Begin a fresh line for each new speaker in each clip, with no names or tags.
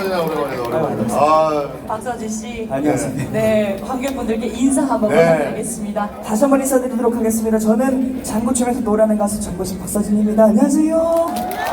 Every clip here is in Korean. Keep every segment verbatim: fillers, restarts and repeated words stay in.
오랜만이네, 오랜만이네, 오랜만이네. 아,
박서진 씨.
안녕하세요.
네, 관객분들께 인사 한번
네.
부탁드리겠습니다.
다시 한번 인사드리도록 하겠습니다. 저는 장구춤에서 노래하는 가수 장구신 박서진입니다. 안녕하세요.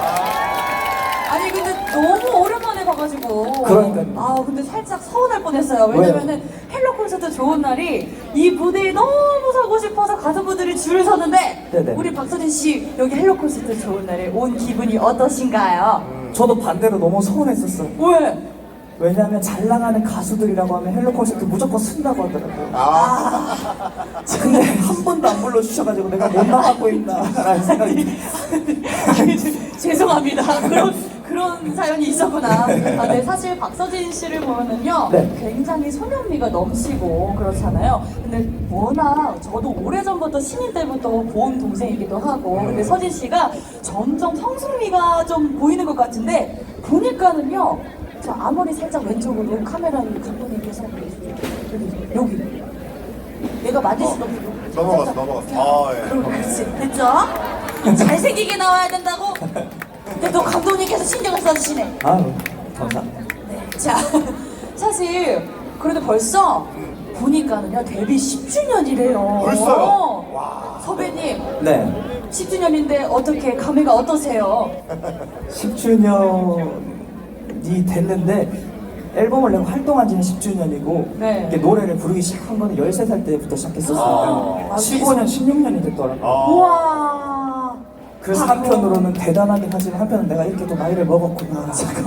아니 근데 너무 오랜만에 봐가지고.
그러니까요.
아 근데 살짝 서운할 뻔했어요. 왜냐면은 헬로 콘서트 좋은 날이 이 무대에 너무 서고 싶어서 가수분들이 줄을 서는데
네네.
우리 박서진 씨 여기 헬로 콘서트 좋은 날에 온 기분이 어떠신가요?
저도 반대로 너무 서운했었어요.
왜?
왜냐하면 잘 나가는 가수들이라고 하면 헬로 콘서트 무조건 쓴다고 하더라고요.
아,
근데 한 번도 안 불러주셔가지고 내가 못 나가고 있나라는 생각이.
아니, 죄송합니다. 그런 그런 사연이 있었구나. 아, 네, 사실 박서진 씨를 보면은요,
네.
굉장히 소년미가 넘치고 그렇잖아요. 근데 워낙 저도 오래전부터 신인 때부터 본 동생이기도 하고, 근데 서진 씨가 점점 성숙미가 좀 보이는 것 같은데 보니까는요, 저 앞머리 살짝 왼쪽으로 카메라를 감독님께서 여기 여기 내가 맞을 수도 없고
넘어갔어, 넘어갔어. 아, 예.
그럼 그렇지 됐죠? 잘생기게 나와야 된다고? 근데 또 감독님께서 신경을 써주시네.
아유, 감사합니다.
네. 자, 사실 그래도 벌써 보니까는요 데뷔 십 주년이래요.
벌써요? 와.
선배님
네,
십 주년인데 어떻게 감회가 어떠세요?
십 주년이 됐는데 앨범을 내고 활동한 지는 십 주년이고
네.
이게 노래를 부르기 시작한 거는 열세 살 때부터 시작했었으니까
아,
십오 년, 십육 년이 됐더라고요.
아.
우와.
그래서 한편으로는 대단하긴 하지만 한편은 내가 이렇게 또 나이를 먹었구나.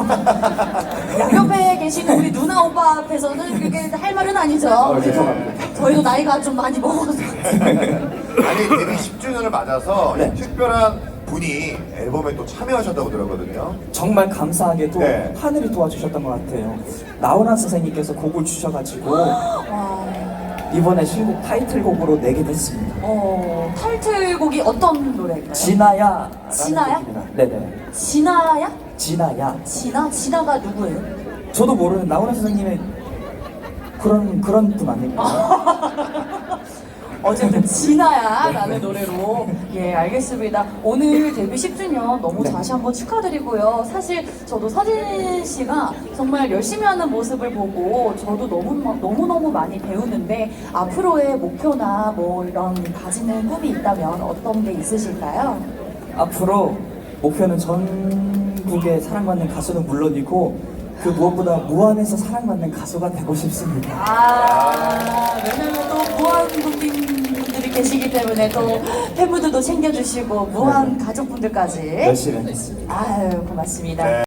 양옆에 계시는 우리 누나 오빠 앞에서는 그게 할 말은 아니죠.
어, 죄송합니다.
저희도 나이가 좀 많이 먹어서.
아니, 데뷔 십 주년을 맞아서
네.
특별한 분이 앨범에 또 참여하셨다고 들었거든요.
정말 감사하게도
네.
하늘이 도와주셨던 것 같아요. 나훈아 선생님께서 곡을 주셔가지고
와.
이번에 신곡 타이틀곡으로 내게 됐습니다.
어, 타이틀곡이 어떤 노래인가요?
진아야.
진아야?
네네.
진아야?
진아야.
진아? 진아가 누구예요?
저도 모르는 나훈아 선생님의 그런 그런 분 아닐까요?
어쨌든 진아야 라는 노래로 예 알겠습니다. 오늘 데뷔 십 주년 너무
네.
다시 한번 축하드리고요. 사실 저도 서진 씨가 정말 열심히 하는 모습을 보고 저도 너무 너무 너무 많이 배우는데 앞으로의 목표나 뭐 이런 가지는 꿈이 있다면 어떤 게 있으실까요?
앞으로 목표는 전국의 사랑받는 가수는 물론이고 그 무엇보다 무한에서 사랑받는 가수가 되고 싶습니다.
아, 왜냐면 또 무한 국민분들이 계시기 때문에 또 팬분들도 챙겨주시고 무한 가족분들까지
열심히 하겠습니다.
아유 고맙습니다.
네.